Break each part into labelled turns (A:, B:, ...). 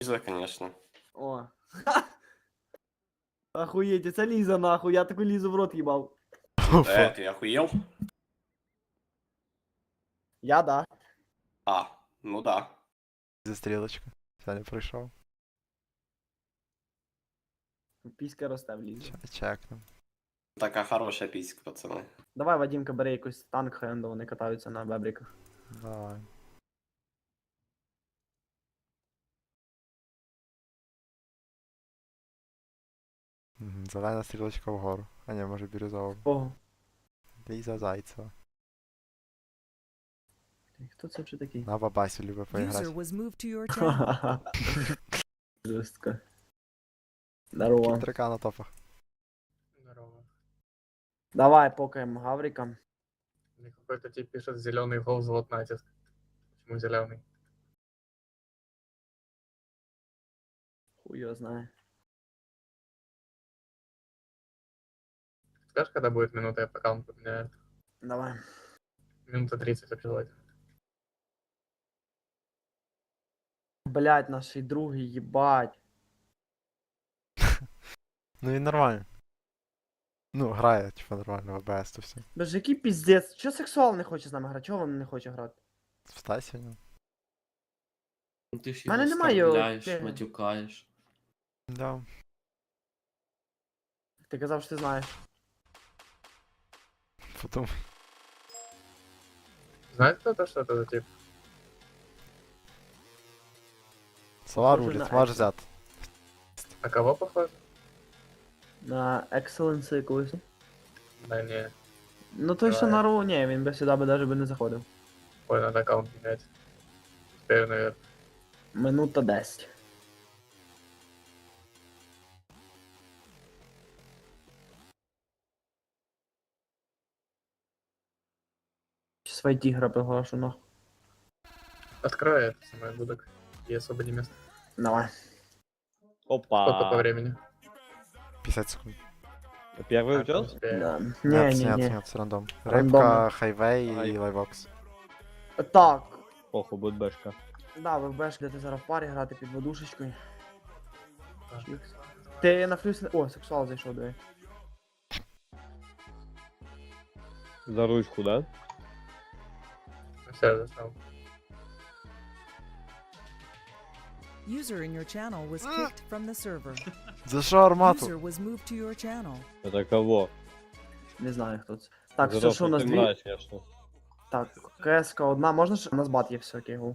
A: Лиза, конечно.
B: О. Охуеть, це Ліза нахуй, я таку Лізу в рот їбав.
A: Ты охуел?
B: Я да.
A: А, ну да.
C: За стрілочку. Саня прийшов.
B: Піська росте в Лізі.
C: Чекнем.
A: Такая хорошая писька, пацаны.
B: Давай, Вадімка, бери якийсь танк, хай вони катаються на бебриках.
C: Давай. Зелена стрілочка вгору. А ні, може бірюзова.
B: Ого.
C: Ліза Зайцева.
B: Хто це вже такий?
C: На бабасю любить
D: User
C: поіграти.
D: was moved to your channel.
B: Жестко. Здорово.
C: Кінтрика на топах.
E: Здорово.
B: Давай, покаем Гаврика.
E: Мне какой-то тип пишет зеленый гол, золот натиск. Почему зеленый?
B: Хуй його знає.
E: Скажешь, когда будет минута, я по аккаунту поменяю?
B: Давай.
E: Минута 30 обязательно.
B: Блять, наш другий, їбать.
C: Ну він нормально. Ну, грає, типа, нормально, в АБС то все.
B: Боже, який піздець. Чого сексуал не хоче з нами грати? Чого він не хоче грати?
C: Встань сьогодні.
F: Ну, ти ж
B: Мене
F: його
B: немає
F: оскорбляєш,
B: ти-
F: матюкаєш.
C: Да.
B: Ти казав, що ти знаєш.
C: Потім.
E: Знает кто-то, что это за тип?
C: Сова
B: Похоже
C: рулить,
B: на
C: можеш
B: Екса.
C: взяти.
E: На кого похож?
B: На Excellency якусь.
E: Да не,
B: Ну той, що
E: Давай.
B: на Роу, ні, він би сюди би навіть не заходив.
E: ой, надо аккаунт менять. Теперь, наверное.
B: Минута 10. Сейчас войти игра приглашу, нахуй.
E: Открой это самое будок. И освободи место.
B: Давай.
E: Сколько по
G: Опа.
E: времени?
C: 50 секунд.
G: Первый
E: А,
G: идет?
E: успею.
B: Да.
C: Нет,
B: Не,
C: нет,
B: не, не.
C: нет, це рандом.
B: Рандомно.
C: Рибка, хайвей і лайвокс.
B: Так.
G: Похуй, будет бэшка.
B: Да, ви беш, де ти зараз в парі грати під водушечкою.
E: Так.
B: Чікс. Ти на флюс... О, сексуал зайшов, диви.
G: За ручку, да?
E: Все, я зашел.
D: User in your channel was kicked from the server.
C: За що армату?
D: User was moved to your channel.
G: Это кого?
B: Не знаю, хто це. Так,
G: Здорово,
B: що у нас
G: ты
B: дві?
G: мразь, конечно.
B: Так, КСК одна, можна ж? У нас бат є все, окей, гол.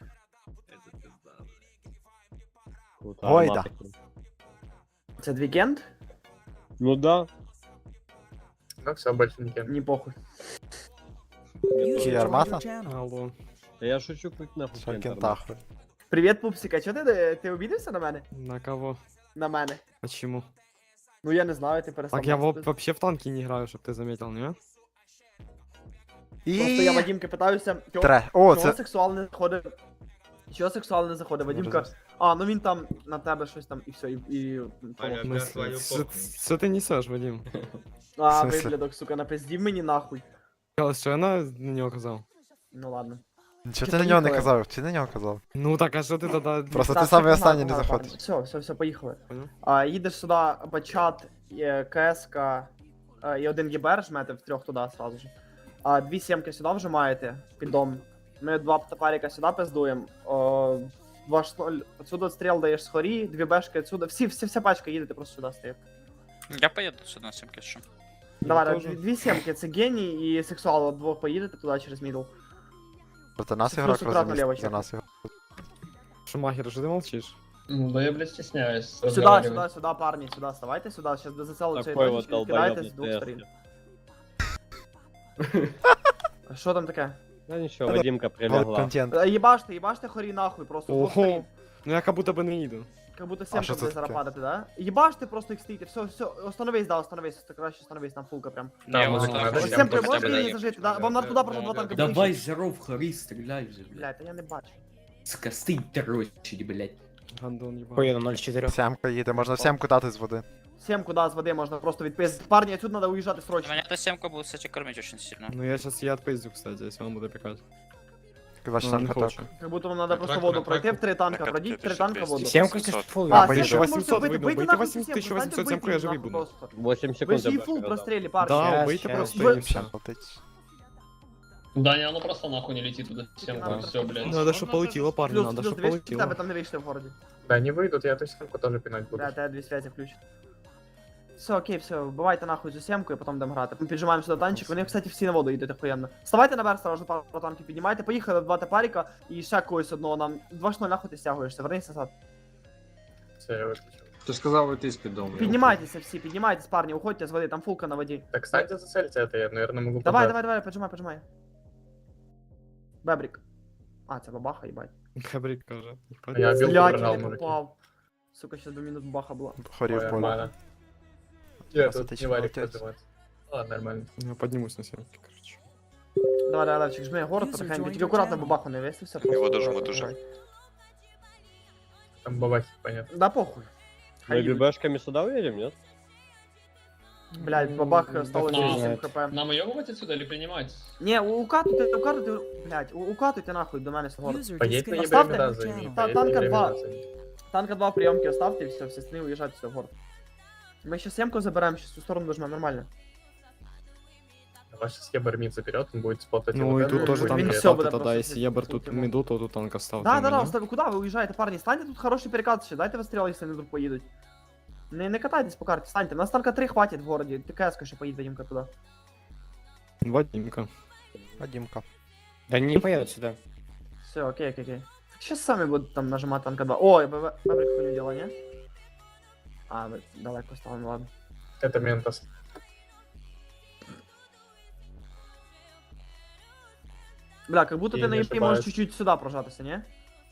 G: Вот,
C: Гойда.
G: армата.
B: Це двікенд?
G: Ну да.
E: Ну все, больше не кем.
B: Ні похуй.
D: User
C: Чи
D: joined
C: армата?
D: your channel.
G: Алло. Да я шучу, хоть нахуй.
C: Що
G: кентар,
C: кентахуй?
B: Привіт, пупсика, чого ти обідався на мене?
H: На кого?
B: На мене.
H: Почему?
B: Ну я не знаю, ти перестав.
H: Так я
B: бачити.
H: вообще в танки не играю, чтоб ты заметил, не?
B: Просто я
C: І...
B: Вадімки питаюся,
C: Тре. О,
B: чого
C: це...
B: сексуал не заходить. Чого сексуал не заходить? Вадімка. А, ну він там на тебе щось там і все, і
H: В смысле? Что ты несешь, Вадим?
B: А,
C: В смысле?
B: виглядок, сука, напиздів мені нахуй.
H: Сказал, что я на него казал.
B: Ну ладно.
C: Чого
B: Чи
C: ти на нього не
B: поїхали?
C: казав? Ти на нього казав?
H: Ну так, а что ты тогда...
C: Просто
B: Так,
C: ти самий
B: все,
C: останній не
B: погнали,
C: заходиш.
B: погнали. Все, поїхали.
H: Понял.
B: Їдеш сюди, бачат, КСК і один ЄБР жмете в трьох туди сразу же. Дві сімки сюди вжимаєте під дом. Ми два топарика сюди пиздуємо. 2-0, отсюда стріл даєш з хорі, дві бешки отсюда. Вся пачка їдете просто сюди стоїть.
I: Я поеду сюда на сімки, що.
B: Давай,
H: теж.
B: дві сімки, це геній і сексуал, от двох поїдете туди через мідл.
C: Проти нас
B: Це
C: ігрок
B: просто акуратно ліво
C: розуміє. За
B: чекай.
C: нас ігрок.
H: Шумахер, что ты молчишь?
E: Ну да я, блядь, стесняюсь.
B: Сюди, парні, сюди, вставайте сюди, зараз до зацелу цієї
I: Такой вот
B: точки кидаєте з
I: долбоёбный
B: двох сторін.
I: тест.
B: Що там таке?
G: Да ничего,
C: Это
G: Вадимка
C: Гол
G: прилегла.
C: контент.
B: Їбаште хорі нахуй, просто з двох
H: Ого.
B: сторін.
H: Ну я как будто бы не иду.
B: Как будто
C: що
B: семка
C: це
B: буде зараз
C: таке?
B: падати, да? Їбаште просто їх стоїте, все, остановись, да, остановись, це краще остановись, там фулка прям.
E: Да,
I: Я
E: музыка
I: вот
E: надо,
I: так.
E: всем
B: Семка,
E: тоже
B: можеш
E: надо.
B: лінії зажити, да? Вам надо туди просто два танка
F: Давай,
B: підключити.
F: здоров, Хари, стреляй же, блядь.
B: Блядь, та я не бачу.
F: Скосты дрочить, блядь.
H: Гандон ебаный.
G: Поеду 0-4.
C: Сямка їде, можна в сямку дати з води.
B: Семку, да, з води можна просто відпиздити. Парні, отсюда надо уїжджати срочно.
I: Меня эта семка будет, кстати, кормить очень сильно.
H: Ну я сейчас я отпиздю, кстати, если он будет пикать.
C: 24
H: не
C: каток.
H: хочу.
B: Как будто вам надо просто воду пройти в 3 танка,
A: Так,
B: пройдіть 3 танка воду.
I: 700.
B: А,
C: бо
B: ще
C: ще
B: можете
H: 800
B: бити,
H: видно,
B: бийте
H: бийте
B: нахуй
H: 1800,
B: всім,
H: я живий
B: нахуй
H: буду.
B: просто.
G: 8
B: Ви
G: секунд.
B: ж її
G: я
B: фул
G: бачу,
B: прострілі, парні.
H: Да, вийти просто
B: Ви-
H: і все.
C: Летить.
E: Да, не, оно просто нахуй не летит туда.
B: Надо
E: Все, блядь.
H: Надо, щоб полетіло, парні,
B: Плюс,
H: надо,
B: плюс,
H: щоб
B: дивись, в
H: полетіло.
B: тебе там не вийшли в городі.
E: Да, не выйдут, я эту семку тоже пинать буду.
B: Да, тебе дві связі включить. Все, окей, все, вбивайте нахуй цю семку і потім будемо грати. Ми піджимаємо сюди танчик, вони, кстати, всі на воду йдуть охуєнно. Вставайте наверх, сразу пару танків піднімайте, поїхали 2 тепаріка і ще когось одного нам. 2-0 нахуй ти стягуєшся, вернися назад.
E: Все, я выключил.
J: Ти сказав вийти з піддому.
B: Піднімайтеся всі, піднімайтесь, парні, уходьте з води, там фулка на воді.
E: Так, кстати, зацельте это, я, наверное, могу
B: Давай,
E: подать.
B: давай, поджимай, поджимай. Бебрик. А, це бабаха, їбать.
H: Хабрик каже.
E: Я бил,
B: Блядь,
E: пробрал,
B: я не
E: мужики.
B: попав. Сука, ще 2 минут баха була.
C: Хорів
E: Ой,
C: поле.
E: нормально. Я
C: Сейчас
E: тут
C: это
E: не варик
C: молотец.
E: поднимать. Ладно, нормально.
H: Я піднімусь на 7, короче.
B: Давай, давай, Левчик, жми город,
D: User
B: потихеньку.
D: joined
B: Тільки
D: your
B: акуратно
D: channel.
B: бабаху не висився.
J: Його
B: просто
J: дожму
B: акуратно
J: дуже.
B: грай.
E: Там бабахи, понятно.
B: Да похуй.
G: Мы
B: Хай їдуть.
G: ББшками сюда уедем, нет?
B: Блядь, бабах осталось
E: нам-
B: 8 хп.
E: Нам уебывать отсюда или принимать?
B: Не, укатуйте, блядь, укатуйте нахуй до мене з город.
D: User
E: Поедь на
D: disconnected
B: Оставьте.
E: Ебремеда
D: from your
E: займи.
D: channel.
B: Та-
E: поедь на
B: танка
E: Ебремеда
B: 2.
E: займи.
B: Танка 2 прийомки оставте і все, всі стіни уїжджайте все в город. Ми ще семку заберемо, ще цю сторону дожмемо, нормально.
E: Ваш сейчас Ебер мид заберет, он будет спотать.
H: Ну
E: вот
H: і
E: это,
H: тут
E: и
H: теж
E: будет
B: він
H: танк
B: все
E: мид.
B: буде
H: ставте,
B: просто
H: тоді, якщо Єбер
B: сидіти
H: тут
B: в
H: міду, то тут танка ставте.
B: Да,
H: мені.
B: оставь, куди ви уїжджаєте, парні? Станьте тут хороший перекат ще, дайте вистріл, якщо не вдруг поїдуть. Не катайтесь по карті, станьте. У нас танка 3 хватить в городі, ТКС ще поїде Вадимка туди.
H: Вадимка.
C: Вадимка.
H: Да не поедут сюда.
B: Все, окей. Сейчас сами будут там нажимать танка 2. Ой, Бебрик хуйню дела, не? А, вы далеко стало, ну ладно.
E: Это Ментос.
B: Бля, как будто
E: Я
B: ты на
E: не
B: EP можешь
E: ошибаюсь.
B: чуть-чуть сюда прожатися, не?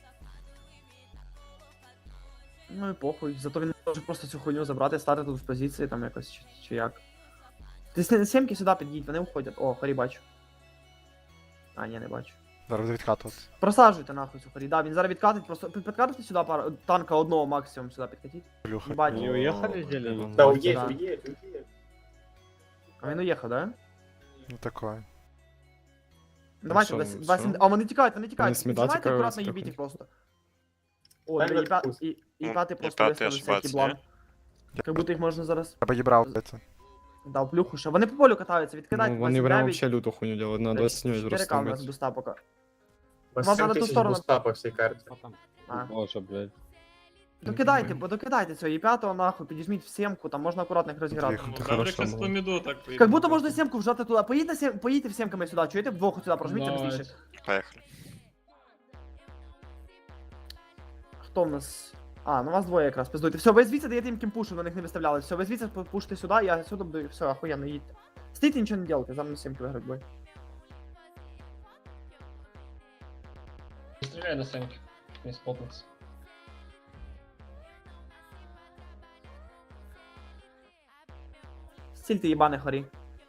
B: Ну і похуй, зато він може просто цю хуйню забрати, стати тут в позиції там якось чи як. Ти з сімки сюди під'їдь, вони уходять. О, хорі бачу. А, ні, не бачу.
C: Зараз буде відкатувати.
B: Просаджуйте нахуй цю хорі. Да, він зараз відкатить, просто підкатите сюди пару, танка одного максимум сюди підкатіть.
C: Плюха.
B: Їбать.
G: Не уехали зелень?
E: Да,
C: Ну,
E: уедь,
B: да.
E: уедь.
B: А він уїхав, да?
C: Ну такое.
B: Давайте,
H: що,
B: десь-
H: ну,
B: десь-
H: все?
B: а вони тікають.
H: Вони
B: Піджимайте
H: смідати
B: акуратно,
H: каються,
B: їбіть їх
H: трохи.
B: просто. О,
E: Дай
B: диви,
E: мені вкус.
B: і
J: Ну,
B: п'ятий
J: і
B: просто
J: п'ятий
B: виставив всякий
J: ошибаться,
B: блан. Как будто їх можна зараз
C: Треба дібрав це.
B: дав плюху ще. Вони по полю катаються, відкидайте
H: Ну, вони прям
B: 29.
H: вообще люту хуйню делают, на 29
B: 4К у нас
H: просто.
B: буста пока.
E: У вас
B: Вам
E: 7
B: надо ту
E: тысяч
B: сторону.
E: буста по всей карте.
B: А.
G: Боже, блядь.
B: Докидайте, бо докидайте цього, і п'ятого нахуй, підіжміть в семку, там можна акуратно їх розіграти.
C: Тихо.
H: Это хорошо было.
B: Как будто можна семку вжати туди. Поїдьте в семками сюди, чуєте? Вдвох сюди прожміться быстріше.
J: Поїхали.
B: Хто в нас? А, ну вас двоє якраз, пиздуйте. Все, ви звідси даєте їм кімпушу, на них не виставляли. Все, ви звідси пушите сюди, я сюди буду, все, охуєнно, їдьте. Стійте, нічого не делайте, зараз на семки виграють бой.
E: Стреляй на Сенке. Не спотнуться.
B: Стільте їбане хорі.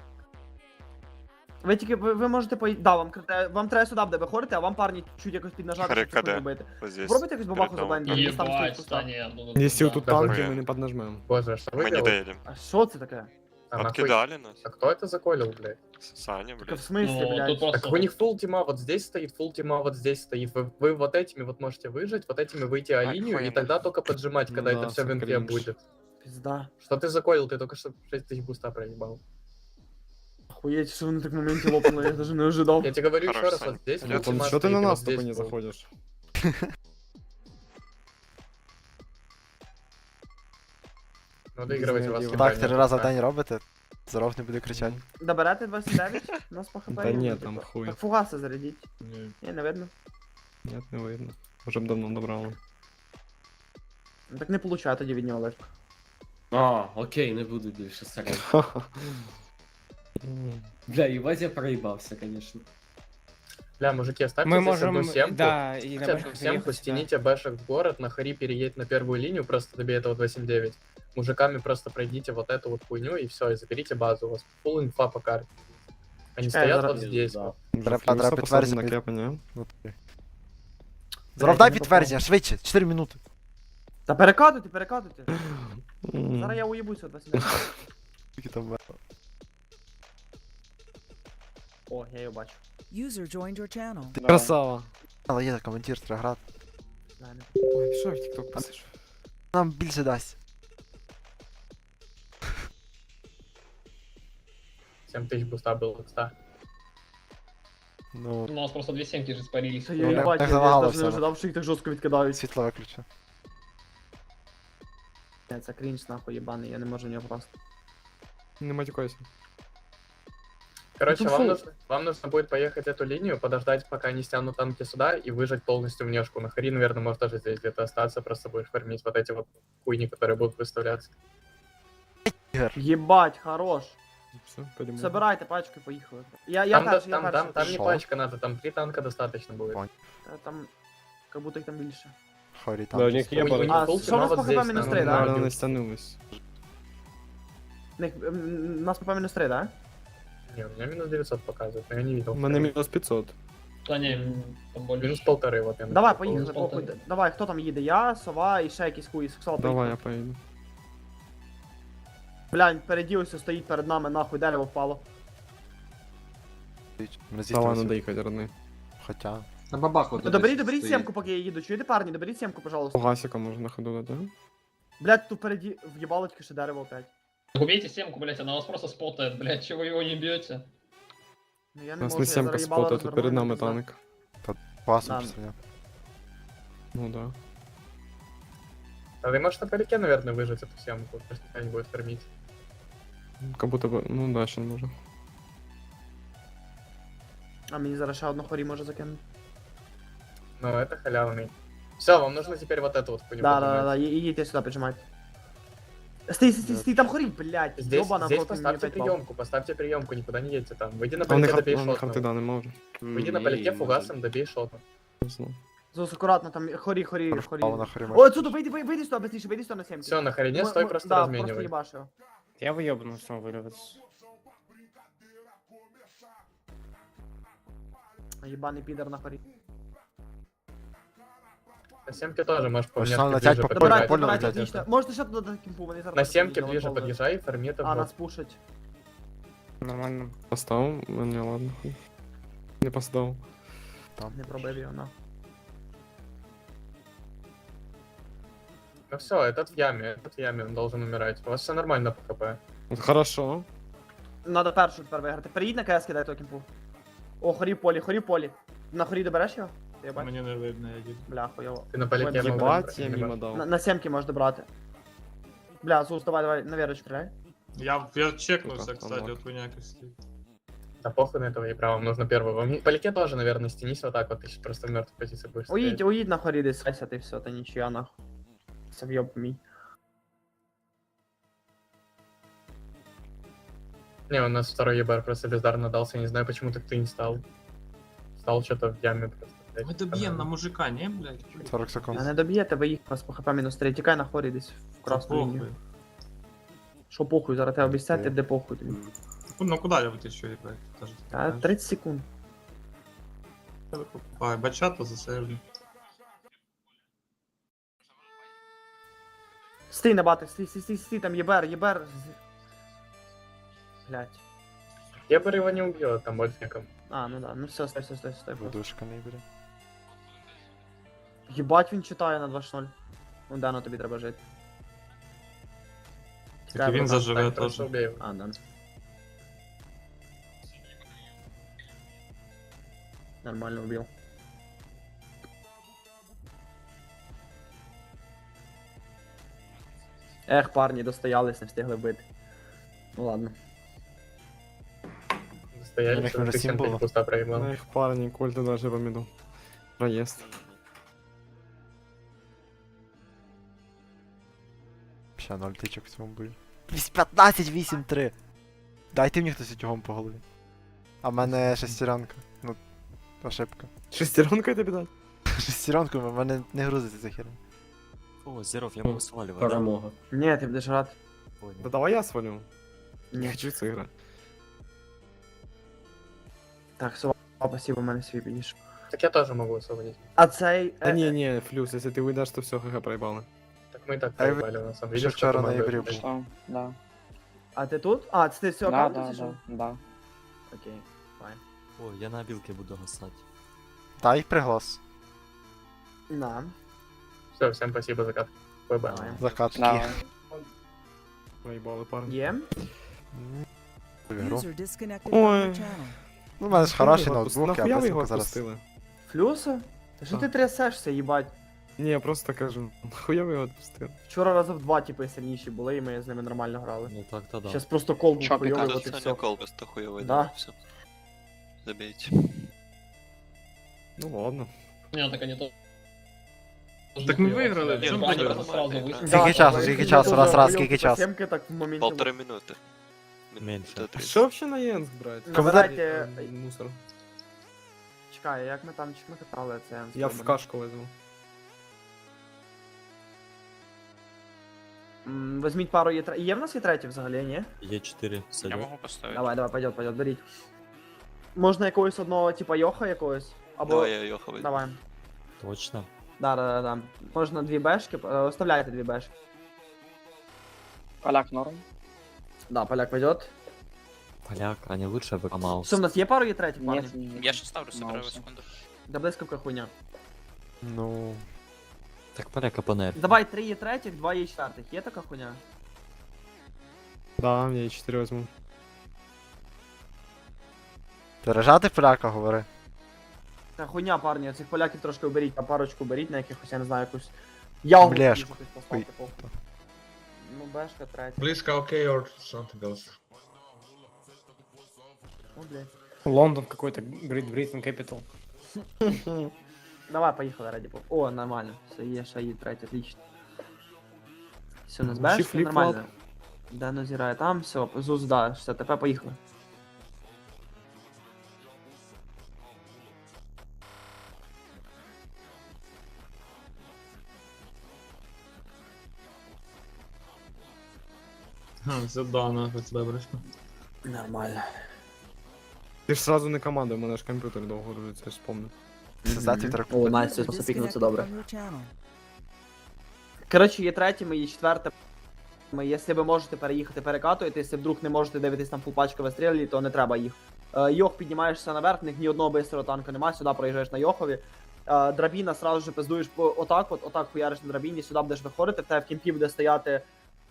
B: Ви тільки, ви можете поїти, да, вам треба сюди, де ви ходите, а вам парні чуть якось піднажати,
J: Хорі,
B: щоб цю хуйню
J: каде?
B: бити.
J: Ось здесь.
B: Пробуйте якось бабаху
J: перед домом.
B: заблайндити, десь там стоїть
E: Ебать,
B: пуста.
E: Саня, оттуда
H: Если
E: туда.
H: тут
J: Давай.
H: танки, мы не поднажмем.
E: Боже, а что вы
J: Ми не
E: делаете?
J: доїдемо.
B: А що це таке?
E: А, нахуй-
J: Откидали нас.
E: А кто это заколил, блядь?
J: Саня,
B: Так в
J: блядь.
B: смислі,
E: Ну,
B: блядь?
E: тут просто... Так у них фул тима вот здесь стоит, фул тима вот здесь стоит. Вы вот этими вот можете выжить, вот этими выйти о линию, и
J: Охуенно.
E: тогда только поджимать,
H: Ну
E: когда
H: да,
E: это все в
H: всё
E: инфе
H: кринж.
E: будет.
B: Пізда.
E: Что ты заколил? Ты только что 6 тысяч буста проебал.
B: Охуєть, що вони так в моменті лопнули, я даже не ожидав.
E: Я тебе говорю
J: Хорош,
E: еще раз,
J: Саня.
E: вот здесь
J: Ну,
E: вот
H: Там
E: тима
H: что ты
E: стоит,
H: на
E: и
H: нас
E: вот
H: тупо
E: здесь
H: не
E: фул.
H: заходишь?
E: Ну, доигрывайте вас.
H: Так,
C: Так, 3 рази в день робите. Здоров не буде кричати.
B: Доберете 29? У нас по хп.
H: Да
B: є,
H: ні,
B: ну,
H: там
B: типу.
H: хуй.
B: Так фугаси зарядіть.
H: Не,
B: Ні, не видно.
H: Нет, не видно. Уже б давно добрали.
B: Ну, так не получаю тоді від нього легко.
F: А, окей, не буду більше сарай. Бля, їбать, я проїбався, конечно.
E: Бля, мужики, оставьте
H: Мы
E: здесь
H: можем,
E: одну семку.
H: да, и на
E: Хотя
H: бэшках
E: бы семку,
H: заехать, да.
E: стяните бэшек в город, на хари переедь на первую линию, просто добей этого 279. Мужиками просто пройдите вот эту вот хуйню и все, и заберите базу. У вас full инфа по карте. Они
B: Чекай,
E: стоят
B: зараз-
E: вот здесь.
F: Да.
E: вот.
C: Треба підтвердження.
H: на кепа, не?
C: Здоров, дай підтвердження, швидше, 4 минути.
B: Та перекатуйте.
H: М.
B: Зараз я уїбуся от 29.
C: Скільки там було?
B: О, я його бачу.
D: User joined your channel.
C: Ти красава. Але є коментар, треба грати.
H: Ой, що в TikTok писиш?
C: Нам більше дасть.
E: 7000 буста было, кстати.
C: Ну,
G: У нас просто 2 семки же спарились.
B: Це
C: Ну,
B: я
C: так
B: їбать, я
C: завагало
B: навіть не
C: все.
B: ожидав, що їх так жорстко відкидають.
C: світло виключу.
B: Це крінж нахуй єбаний, я не можу в нього просто.
H: Не матюкайся.
E: Короче,
B: Ну,
E: вам нужно будет поехать эту линию, подождать, пока они стянут танки сюда, и выжать полностью внешку. На Хари, наверное, может тоже здесь где-то остаться, просто будешь фармить вот эти вот хуйни, которые будут выставляться.
B: Єбать, хорош.
H: Все, пойдем.
B: Собирайте пачки, поїхали. Я
E: Там,
B: перший, я
E: там
B: перший.
E: не
C: Шо?
E: пачка надо, там 3 танка достаточно будет.
C: Понял.
B: Там, как будто їх там більше.
C: Хорі
G: Да, у
C: там.
G: них є
E: У
G: бар.
E: них
B: А,
E: фулки,
B: що у
E: но
B: нас
E: вот
B: по
E: здесь
B: ХП мінус
E: там
B: 3, да?
H: Наверное,
E: радиус.
H: не стянулись.
B: Нас по мінус 3, да?
E: Не, у меня минус 900 показывает, но я не видел.
H: У мене мінус 500.
G: Та ні, там більше.
E: Минус 1,5 вот я
B: Давай,
E: нашел.
B: поїхали,
G: Полтора.
B: похуй. Давай, хто там їде? Я, Сова і ще якийсь хуй. Сексуал,
H: Давай,
B: поїхали.
H: я поїду.
B: Блядь, переді ось стоїть перед нами, нахуй, дерево впало.
C: Ми
H: Давай,
C: зійдемо.
H: надо їхати, родний.
C: Хоча.
J: На бабах вот
B: Доберіть сімку, поки я їду. Чуєте, парні, доберіть сімку, пожалуйста.
H: Гасика можна на ходу дати.
B: Блядь, тут впереді в'їбало тільки ще дерево опять.
G: Убейте семку, блять, она вас просто спотает, блять, чего его не бьете?
B: Ну я
H: У
B: не
H: нас
B: можу,
H: не
B: я
H: сімка
B: зараз їбало
H: спота, тут
B: розверну,
H: перед
B: і
H: нами
B: пізда.
H: танк.
C: Класно
B: Да.
C: представляю.
H: Ну да.
E: А ты можешь на парике, наверное, выжать эту съемку, просто никто не будет фармить.
H: Как будто бы, ну да, ще може.
B: А мені зараз ще одну хорі може закинути.
E: Но это халявный. Все, вам нужно теперь вот эту вот хуйню
B: Да,
E: поднимать.
B: да, да, їдьте сюди, піджимайте. Стій, там хорі, блядь,
E: Здесь,
B: ёбана,
E: здесь
B: проти мені
E: поставьте
B: опять пал.
E: приемку, поставьте приемку, никуда не едьте там. Выйди на
H: А у них
E: полете, добей
H: ханти
E: шотного.
H: да, не може.
E: Выйди на полете фугасом, добей шотного.
B: Зус, акуратно, там хорі.
C: Впало на хорі.
B: О, отсюда, вийди сюди, быстріше, вийди сюди на 7.
E: Все, на харине стой, просто
B: Да,
E: разменивай.
B: просто їбаш його.
G: Я выебну, что вырваться.
B: Єбаний підер на хорі.
E: На семке тоже можешь по
C: Ось
E: внешке
C: там
E: ближе
C: летять по
E: подбежать.
C: Добре, понял,
B: Добирайте,
C: дядя.
B: отлично. Можете ще туди дати кімпу, вони зараз...
E: На семке
B: будуть
E: ближе
B: делать
E: подъезжай, фарми это
B: А,
E: в
B: нас пушать.
G: Нормально.
H: Поставив? Не, ладно. хуй. Не поставив.
B: Не пробив його, на.
E: Ну все, этот в яме, он должен умирать. У вас все нормально по хп.
H: От хорошо.
B: Надо першу тепер виграти. Переїдь на КС, кидай того кімпу. О, хорі в полі. На хорі добереш його? Єбать.
G: Мне не видно, я иду.
B: Бля, хуйово.
E: Ты на полете
B: Ебать,
E: мог
H: Єбать,
E: добрать,
H: я
E: не
H: мимо
E: можешь.
H: дав.
B: На 7 можеш добрати. Бля, Зус, давай, на вірочку стріляй.
G: Я чекнулся,
H: Сука,
G: кстати,
H: unlock.
G: от хуйняки стоит.
E: Да похуй на этого и право, нужно первого. По полете тоже, наверное, стянись вот так вот, ты сейчас просто в мертвой позиции будешь стоять.
B: Уїдь на хорі десь, хайся ти все, та нічия нахуй. Це в'єб мій.
E: Не, у нас второй ебар просто бездарно дался, я не знаю, почему так ты не стал. Стал что-то в яме просто. блядь.
G: Мы добьем на мужика, не, блядь?
C: 40 секунд.
B: А не доб'єте, ви їх вас по хп мінус 3. Тікай на хорі десь в красну лінію. Що похуй, зараз тебе обіцяти, де похуй тобі.
G: Ну куда я вытащу, ебать? Тоже
B: Та 30 секунд.
G: Ай, бачата засейвлю.
B: Стій на бати, стій, там єбер. Блять.
E: Ебар его не убьет, там больше некому.
B: А, ну да, ну все, стой. просто.
C: Водушка не бере.
B: Єбать він читає на 2-0. Ну да, ну тобі треба жити.
G: Так і він
B: братан.
G: заживе
E: Так, просто
G: теж.
E: убей его.
B: А, да. Нормально убил. Ех, парні, достоялись, не встигли бити. Ну ладно.
E: Стояли,
C: У них
E: что
C: уже
E: ты
C: 7
E: 7
C: было.
E: пуста проебал.
H: На їх парні, кольти даже по міду. Проїзд.
C: Ще 0 тичок в цьому бою. 15-8-3. Дайте мені хтось утюгом по голові. А в мене шестеренка. Ну, ошибка.
H: Шестеренка тобі дати?
C: Шестеренку, в мене не грузиться ця херня.
K: О, здоров, я могу сваливать.
F: Перемога.
B: Ні, ти будеш грати.
H: Да давай я свалю. Не
B: Ні.
H: хочу це грати.
B: Так, Сова, спасибо, в мене свій підійшов.
E: Так я тоже могу освободить.
B: А цей...
H: Та ні, Флюс, якщо ти вийдеш, то все, ХГ проїбали.
E: Так мы и так
C: А я
E: проебали, на самом
C: Ще
E: деле.
C: вчора на ігрі був.
B: А ти тут? А, це ти все аккаунт зайшов?
G: да.
B: Окей, файн.
K: О, я на білки буду гасати.
C: Дай приглас.
B: На.
E: Все, всем спасибо за кат. ББ.
B: Давай.
C: Закатки.
H: Проїбали парень.
B: Є.
C: Ігру.
D: User disconnected from
H: Ой.
D: your channel.
C: Ну, у мене ж хороший ноутбук,
H: Нахуя
C: я
H: ви його
C: быстренько зараз.
H: відпустили?
B: Флюси? Та що ти трясешся, їбать?
H: Ні, я просто кажу, нахуя ви його відпустили?
B: Вчора рази в 2 типи сильніші були, і ми з ними нормально грали.
K: Ну так, то да.
B: Щас просто кол був хуйовий, от і все.
J: колбас-то хуёвый,
B: Да.
J: Все. Забейте.
H: Ну ладно.
G: Не, так они то.
H: Так мы выиграли,
G: Они
H: в чём
G: просто
J: проблема?
G: сразу вышли.
C: Скільки часу, скільки часу, раз, скільки часу?
B: Сімки так в моменті.
J: 1,5 минуты.
K: Меньше.
J: Минута
H: А
J: 30.
H: що вообще на Єнск брати?
B: Набирайте...
H: Мусор.
B: Чекай, як ми там, чи ми катали це?
H: Я в кашку візьму.
B: Візьміть пару є... Є в нас є третій взагалі, ні?
K: Є 4
I: Я
K: садів.
I: можу поставити.
B: Давай, пойдет, беріть. Можна якогось одного, типа Йоха якогось? Або...
J: Давай я Йоха возьму.
B: Давай.
K: Точно.
B: Да. Можна 2 бешки, оставляйте 2 бешки.
G: Поляк норм.
B: Да, поляк пойдет.
K: Поляк, а не лучше бы Маус.
B: Що, в нас є пару є третіх, парні?
I: Я ще ставлю, собираю секунду.
B: Да блискавка хуйня.
C: Ну.
K: Так поляка понер.
B: Давай 3 є третіх, 2 є четвертих. Є така хуйня?
H: Да, я і 4 візьму.
C: Пережати поляка, говори.
B: Та хуйня, парні, цих поляків трошки уберіть, а парочку беріть на якихось, я не знаю, якусь... Ягу
C: Блешку.
B: якусь поставте, похуй. Ну, бешка третя.
J: Близко окей, or something else.
B: О, блядь.
H: Лондон какой-то, Great Britain Capital.
B: Давай, поїхали, раді Бога. О, нормально. Все, є шаї третя, отлично. Все, у нас
H: Ще
B: бешка,
H: фліп-флоп.
B: нормально. Дано зірає там, все, ЗУЗ, да, все, тепер поїхали.
H: Це да, нахуй, це добре.
B: Нормально.
H: Ти ж сразу не команда, у мене ж комп'ютер довго грузиться, я ж спомню.
C: Це за твіттер.
B: О,
D: User
B: Настя, посопікнув, це добре.
D: disconnected from your channel.
B: Коротше, є третіми, є четвертими. Якщо ви можете переїхати, перекатуєте, якщо вдруг не можете дивитись там фулпачка вистрілі, то не треба їх. Йох, піднімаєшся наверх, в них ні одного бистрого танка немає, сюди проїжджаєш на Йохові. Драбіна сразу же пиздуєш по отак хуяриш на драбіні, сюди будеш виходити, в тебе в кімпі буде стояти.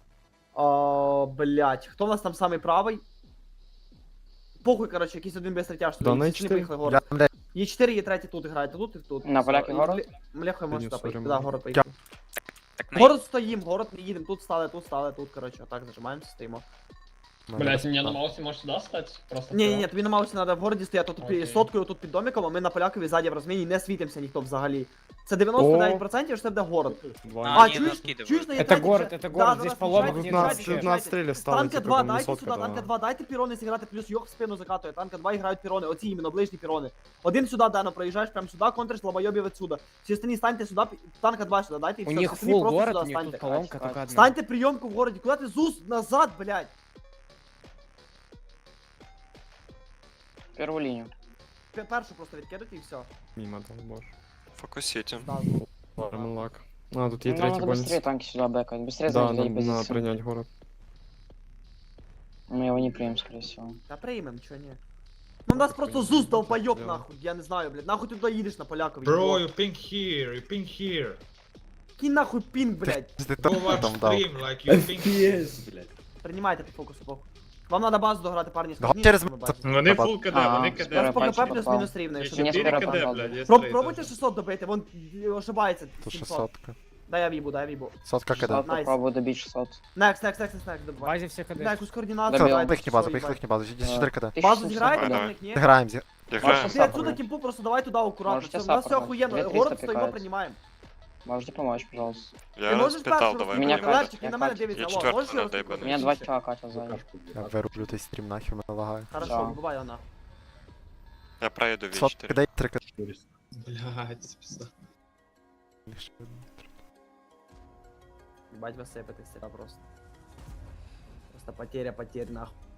B: Блять, хто в нас там самий правий? Похуй, коротше, якийсь один бистрий тяж
H: Да, на
B: не
H: Е4.
B: поїхали город. Є 4, є третій тут граєте, тут і тут.
G: На поляки город?
B: Мляхи
H: Ні,
B: можете
H: сорі,
B: поїхати,
H: можна.
B: да, город поїхати.
I: Так, на
B: Город стоїм, город не їдемо, тут стали, тут, коротше, отак зажимаємося, стоїмо.
G: Блять, мне на маусе можешь сюда стать? Просто
B: Ні, тобі на маусі треба в городі стояти, тут
G: Окей.
B: соткою, тут під домиком, а ми на полякові ззаді в розміні не світимося ніхто взагалі. Це 99%, що це буде город.
I: А, ні,
B: чуєш?
I: не скидывай.
B: Чуєш на
H: Это
B: Єтраті
H: город,
B: вже-
H: это
B: Да,
H: город,
B: да,
H: здесь
B: да,
H: по лобу
B: включайте,
H: 15
B: включайте,
H: 15
B: включайте.
H: стрелей стало,
B: Танка
H: типа,
B: 2,
H: как
B: дайте
H: высотка,
B: сюди,
H: да.
B: танка 2, дайте пірони зіграти, плюс йох в спину закатує. Танка 2 грають пірони, оці іменно, ближні пірони. Один сюди, Дано, проїжджаєш прямо сюди, контриш лобойобів відсюди. Всі остальні станьте сюди, танка 2 сюди, дайте і все.
F: У них
B: всі остальні
F: фул
B: просто
F: город,
B: сюди
F: у них тут
B: станьте.
F: колонка только одна.
B: Станьте прийомку в городі, куди ти ЗУЗ назад, блядь?
G: Первую линию.
B: Першу просто відкидати і все.
H: Мимо там, боже.
J: Фокусите.
H: Ремонлак. А, тут є
G: Нам
H: третій
G: надо быстрее
H: больниць.
G: танки сюда бэкать. Быстрее
H: Да,
G: занять
H: надо
G: позицию.
H: принять город.
G: Мы его не примем, скорее всего.
B: Та приймем, чого ні. Ну нас просто ЗУЗ долбойоб
H: Дело.
B: нахуй, я не знаю, блядь. Нахуй ти туди їдеш на полякові.
J: you ping here.
B: Кінь нахуй пінг, блядь.
C: Ти там дав.
J: like
F: FPS, блядь.
B: Приймайте по фокусу, похуй. Вам треба базу дограти, парні,
C: Го-
B: скажіть,
C: через
B: що ви
C: м-
B: бачите.
J: Вони
C: Баба-
J: full КД,
G: А,
J: вони
B: У
J: КД.
B: нас по
G: пальчик
B: КП
G: попав.
B: плюс-мінус рівно, якщо не
J: 4
B: скажу.
J: КД, блядь, є
B: Пробуйте 600 добити, вон ошибається.
C: Тут
B: 700.
C: 600.
B: Дай я вібу, дай я вібу.
C: Сотка
G: Шестьсот
C: кида.
B: Найс.
G: попробую добить 600.
B: Некс, добивай.
F: Базе все КД.
B: Дай якусь координацію.
G: Добив.
B: давайте,
C: Їхні базу,
B: що,
C: поїхали
B: їбать.
C: їхні базу. Йдіть 4 кида.
B: Базу
G: 1600
B: зіграєте,
G: давай.
B: на них, ні?
C: Граємо.
J: Граємо.
B: Ти отсюда кімпу просто давай туди акуратно.
G: Можете
B: Все, у нас все
G: саппорт.
B: охуєнно.
G: 2300
B: Город стоїмо,
G: пікають.
B: приймаємо.
G: Можете помочь, пожалуйста.
B: Ти можеш перший
G: Меня
B: розповідати?
G: катять,
B: Левчик, він на
G: меня
B: мене
G: катять.
B: дивиться.
J: Я
B: Алло,
J: четвертий
B: можеш його
J: надо,
B: розповідати?
G: Меня 2 чувака катят сзади.
C: Я вирублю той стрім нахер, мене лагає.
B: Хорошо,
G: Да.
B: вибивай його нахуй.
J: Я проеду
C: Сотка кидай 3 кида.
J: Блядь, пизда.
B: Ебать, вы сыпетесь всегда просто. Просто потеря потерь нахуй.